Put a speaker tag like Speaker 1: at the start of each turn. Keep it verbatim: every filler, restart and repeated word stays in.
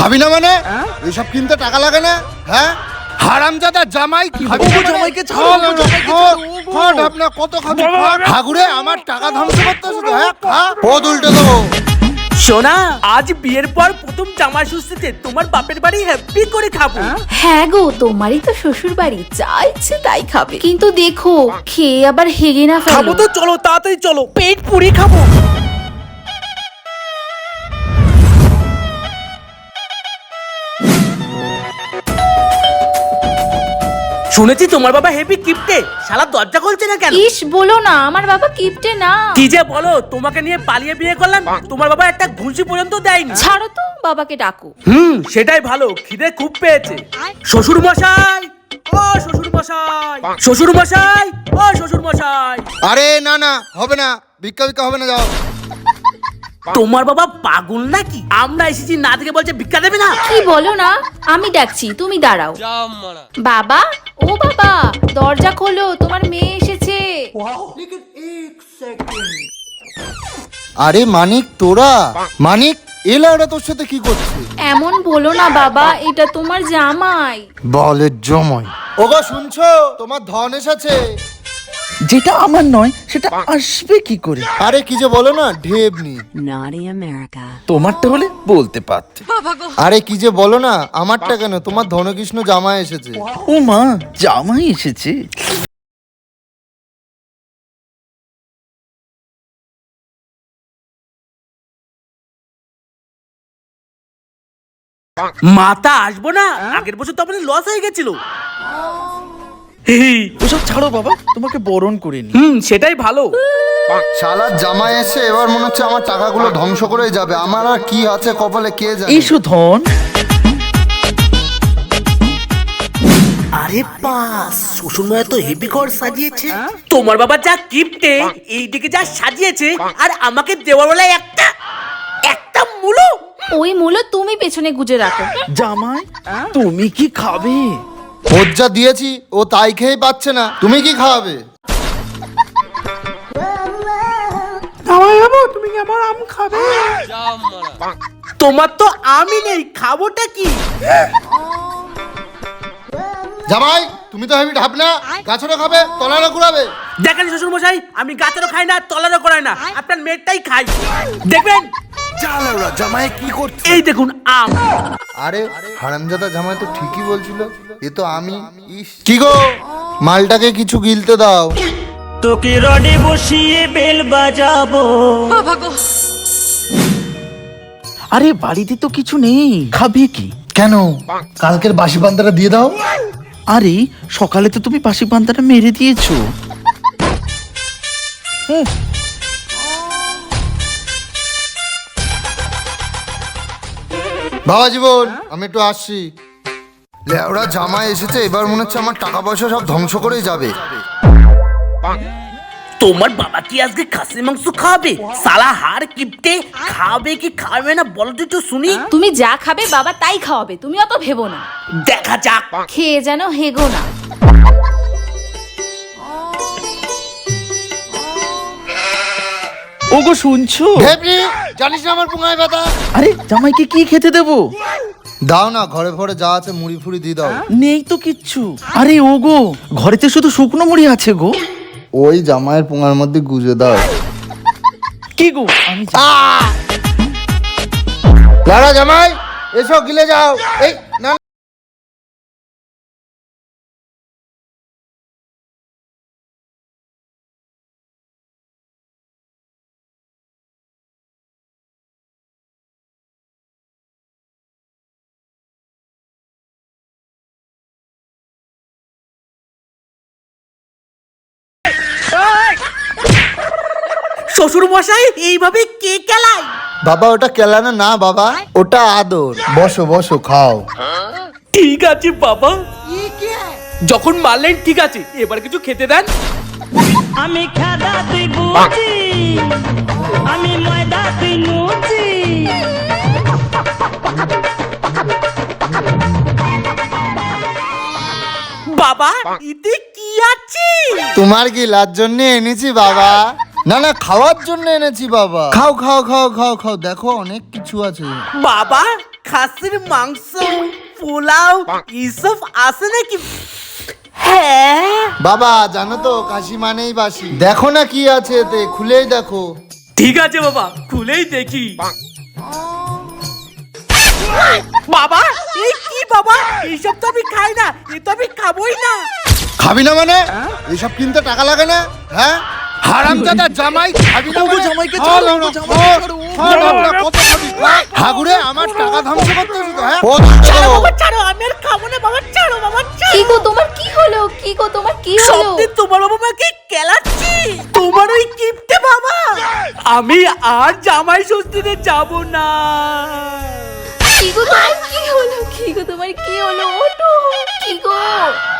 Speaker 1: খাবি না মানে এইসব কিনতে টাকা লাগে না? হ্যাঁ হারামজাদা জামাই কি খাবি?
Speaker 2: জামাইকে ছাড়ো,
Speaker 1: ঢাপনা কত খাবি? ঠাকুরে আমার টাকা ধ্বংস করতেছ তো। হ্যাঁ খা, পদ উল্টে দেবো।
Speaker 2: সোনা, আজ বিয়ের পর প্রথম জামাই ষষ্ঠীতে তোমার বাপের বাড়ি হ্যাপি করে খাবো।
Speaker 3: হ্যাঁ গো, তোমারই তো শ্বশুর বাড়ি, যা ইচ্ছে তাই খাবে, কিন্তু দেখো খেয়ে আবার হেগে না
Speaker 2: খাবো
Speaker 3: ফেলো।
Speaker 2: তো চলো, তাড়াতাড়ি চলো, পেট পুরি খাবো। শুনেছি তোমার বাবা হেভি কিপটে, শালা দরজা খুলছে না কেন?
Speaker 3: ইস বলো না, আমার বাবা কিপটে না।
Speaker 2: কি যে বলো, তোমাকে নিয়ে পালিয়ে বিয়ে করলাম, তোমার বাবা একটা ঘুষি পর্যন্ত দেয়নি।
Speaker 3: ছাড়ো তো, বাবাকে ডাকো।
Speaker 2: হুম, সেটাই ভালো, খিদে খুব পেয়েছে। শ্বশুর মশাই, ও শ্বশুর মশাই, শ্বশুর মশাই, ও শ্বশুর মশাই।
Speaker 1: আরে না না, হবে না, ভিক্ষা ভিক্ষা হবে না, যাও।
Speaker 2: তোমার বাবা পাগল নাকি? আমরা এসেছি না দেখে বলছে ভিক্ষা দেবে না।
Speaker 3: কি বলো না, আমি ডাকছি, তুমি দাঁড়াও। বাবা, ও বাবা, দরজা খোলো, তোমার মেয়ে এসেছে।
Speaker 1: আরে মানিক, তোরা মানিক এলা, ওরা তোর সাথে কি করছে?
Speaker 3: এমন বলো না বাবা, এটা তোমার জামাই।
Speaker 1: বলের জমাই। ওগো শুনছো, তোমার ধন এসেছে।
Speaker 4: যেটা আমার নয় সেটা আসবে কি করে?
Speaker 1: আরে কি যে বলো না, ঢেবনি।
Speaker 5: Naughty America.
Speaker 4: তোমারটা হলে বলতে পারতে।
Speaker 1: আরে কি যে বলো না, আমারটা কেন, তোমার ধনকৃষ্ণ জামাই এসেছে।
Speaker 4: ও মা, জামাই এসেছে।
Speaker 2: মাথা আসবো না, আগের বছর তো আমাদের লস হয়ে গেছিল।
Speaker 4: ওসব ছাড়ো বাবা, তোমাকে বরণ করে নি।
Speaker 2: হুম, সেটাই ভালো।
Speaker 1: শালার জামাই এসে এবার মনে হচ্ছে আমার টাকাগুলো ধ্বংস করে যাবে। আমার আর কি আছে কপালে কে জানে।
Speaker 4: এসো ধন।
Speaker 2: আরে পাস, শ্বশুর মা তো হেভি ঘর সাজিয়েছে। তোমার বাবা যা কিপটে, এইদিকে যা সাজিয়েছে, আর আমাকে দেওয়ার বেলায় একটা একটা মুলো।
Speaker 3: ওই মূলো তুমি পেছনে গুজে রাখো।
Speaker 4: জামাই, তুমি কি খাবে?
Speaker 1: ওর যা দিয়েছি ও তাই খেয়ে পাচ্ছে না, তুমি কি খাওয়াবে?
Speaker 2: তোমার তো আমি নেই, খাবোটা কি?
Speaker 1: জামাই তুমি তো হেবি ঢাপনা, গাছেরও খাবে তলারও ঘুরাবে।
Speaker 2: দেখেন শ্বশুর মশাই, আমি গাছেরও খাই না, তলারও করাই না, আপনার মেয়েটাই খাই। দেখবেন
Speaker 1: জামাই কি করছে?
Speaker 2: এই দেখুন আম।
Speaker 1: আরে হারামজাদা জামাই তো ঠিকই বলছিল, এ তো আমি। ইস, কি গো, মালটাকে কিছু গিলতে দাও।
Speaker 6: তোকে রডে বসিয়ে বেল বাজাবো।
Speaker 4: আরে বাড়িতে তো কিছু নেই, খাবে কি?
Speaker 1: কেন, কালকের বাসি পান্তাটা দিয়ে দাও।
Speaker 4: আরে সকালে তো তুমি বাসি পান্তাটা মেরে দিয়েছো।
Speaker 1: বাবা জীবন, আমি একটু আসছি। লেওড়া জামাই এসেছে, এবার মনে হচ্ছে আমার টাকা পয়সা সব ধ্বংস করেই যাবে।
Speaker 2: তোমার বাবা কি আজকে খাসি মাংস খাবে? সালা হার কিপটে, খাবে কি খাবে না বলো তো একটু শুনি।
Speaker 3: তুমি যা খাবে বাবা তাই খাওয়াবে, তুমি অত ভেবো না।
Speaker 2: দেখা যাক।
Speaker 3: খেয়ে যেন হেগো না।
Speaker 4: ওগো শুনছো?
Speaker 1: ঢেপনি, জানিস না আমার পুঙ্গায় ব্যথা।
Speaker 4: আরে জামাইকে কি খেতে দেবো?
Speaker 1: দাও না, ঘরে ঘরে যা আছে মুড়ি ফুড়ি দিয়ে দাও।
Speaker 4: নেই তো কিচ্ছু। আরে ওগো, ঘরেতে শুধু শুকনো মুড়ি আছে গো।
Speaker 1: ওই জামাইয়ের পুঙ্গার মধ্যে গুজে দাও।
Speaker 4: কি গো, আমি
Speaker 1: লারা জামাই এসো, গিলে যাও। এই না,
Speaker 2: শ্বশুর মশাই এইভাবে কে কেলায়?
Speaker 1: বাবা ওটা কেলানো না বাবা, ওটা আদর। বসো বসো, খাও।
Speaker 2: ঠিক আছে বাবা, যখন মারলেন ঠিক আছে, এবার কিছু খেতে দেন।
Speaker 6: আমি খাদা তুই বুঝি, আমি ময়দা তুই নুচি।
Speaker 2: বাবা এতে কি আছে?
Speaker 1: তোমার গিলার জন্য এনেছি বাবা। না না, খাওয়ার জন্য এনেছি বাবা। খাও খাও খাও খাও খাও, দেখো অনেক কিছু আছে।
Speaker 2: বাবা খাসির মাংস পোলাও এইসব আছে নাকি? হ্যাঁ
Speaker 1: বাবা জানো তো কাশি মানেই বাসি। দেখো না কি আছে এতে, খুলেই দেখো।
Speaker 2: ঠিক আছে বাবা, খুলেই দেখি। বাবা এই কি বাবা, এইসব তো আমি খাই না, এ তো আমি খাবোই না।
Speaker 1: খাবি না মানে? এইসব কিনতে টাকা লাগে না? হ্যাঁ হারামজাদা জামাই, খাবি না মানে?
Speaker 4: জামাইকে
Speaker 1: খা
Speaker 4: ছাড়ো,
Speaker 1: লাউড়া,
Speaker 4: জামাইকে
Speaker 1: খা,
Speaker 4: ছাড়ো।
Speaker 1: খা লাউড়া, কত খাবি? খা। হাগুরে আমার টাকা ধ্বংস করতেছিস তো, হ্যাঁ? ও,
Speaker 2: ছাড়ো বাবা ছাড়ো, আমি আর খাবো না বাবা, ছাড়ো বাবা
Speaker 3: কি
Speaker 2: ছাড়ো।
Speaker 3: গো তোমার কি হলো? কি গো তোমার কি হলো?
Speaker 2: সত্যি তোমার বাবা মাকে কেলাচ্ছি, তোমার ওই কিপটে বাবা। আমি আর জামাই ষষ্ঠীতে যাব না।
Speaker 3: কি গো তোমার কি হলো? কি গো তোমার কি হলো? ওঠো, কি গো?